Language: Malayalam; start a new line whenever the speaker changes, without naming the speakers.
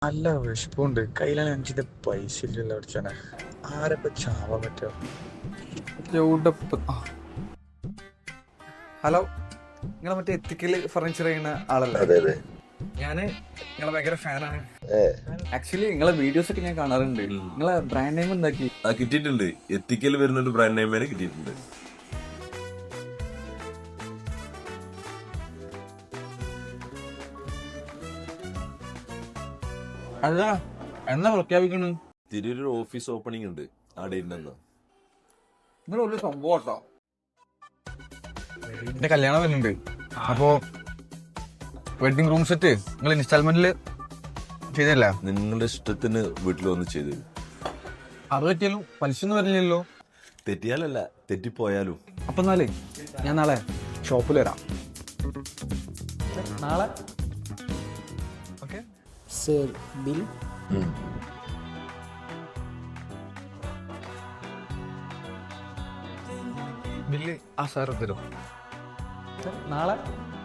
നല്ല വിഷപ്പുണ്ട്. കയ്യിലാണ് എനിക്കിത് പൈസ ഇല്ലല്ലോ അടിച്ചാനെ. ആരൊക്കെ ചാവാൻ പറ്റുക?
ഹലോ, നിങ്ങളെ മറ്റേ എത്തിക്കൽ ഫർണിച്ചർ ചെയ്യുന്ന ആളല്ലേ?
അതെ അതെ.
ഞാന് നിങ്ങളെ ഭയങ്കര ഫാനാണ്. ആക്ച്വലി നിങ്ങളെ വീഡിയോസ് ഒക്കെ ഞാൻ കാണാറുണ്ട്. നിങ്ങളെ ബ്രാൻഡ് നെയിം എന്താക്കി?
കിട്ടിയിട്ടുണ്ട്. എത്തിക്കൽ വരുന്നൊരു ബ്രാൻഡ് നെയിം വരെ കിട്ടിയിട്ടുണ്ട്.
അല്ല, എന്നാ പ്രഖ്യാപിക്കണു?
തിരൂര് ഓഫീസ് ഓപ്പണിംഗ് ഉണ്ട്. ആ ഡേറ്റിനെന്നാ?
നിങ്ങൾ ഒരു സംഭവം കേട്ടോ.
എന്റെ കല്യാണം വരുന്നുണ്ട്. അപ്പോ വെഡിങ് റൂം സെറ്റ് നിങ്ങൾ ഇൻസ്റ്റാൾമെന്റില് ചെയ്തല്ല?
നിങ്ങളുടെ ഇഷ്ടത്തിന് വീട്ടിൽ വന്ന് ചെയ്തു.
അത് പറ്റിയാലും പലിശ ഒന്നും വരില്ലല്ലോ.
തെറ്റിയാലല്ല, തെറ്റിപ്പോയാലും.
അപ്പൊ എന്നാലേ ഞാൻ നാളെ ഷോപ്പിൽ വരാം.
നാളെ
ഓക്കെ.
Sir, bill.
ബില്ല് ആ സാർ തരും.
നാളെ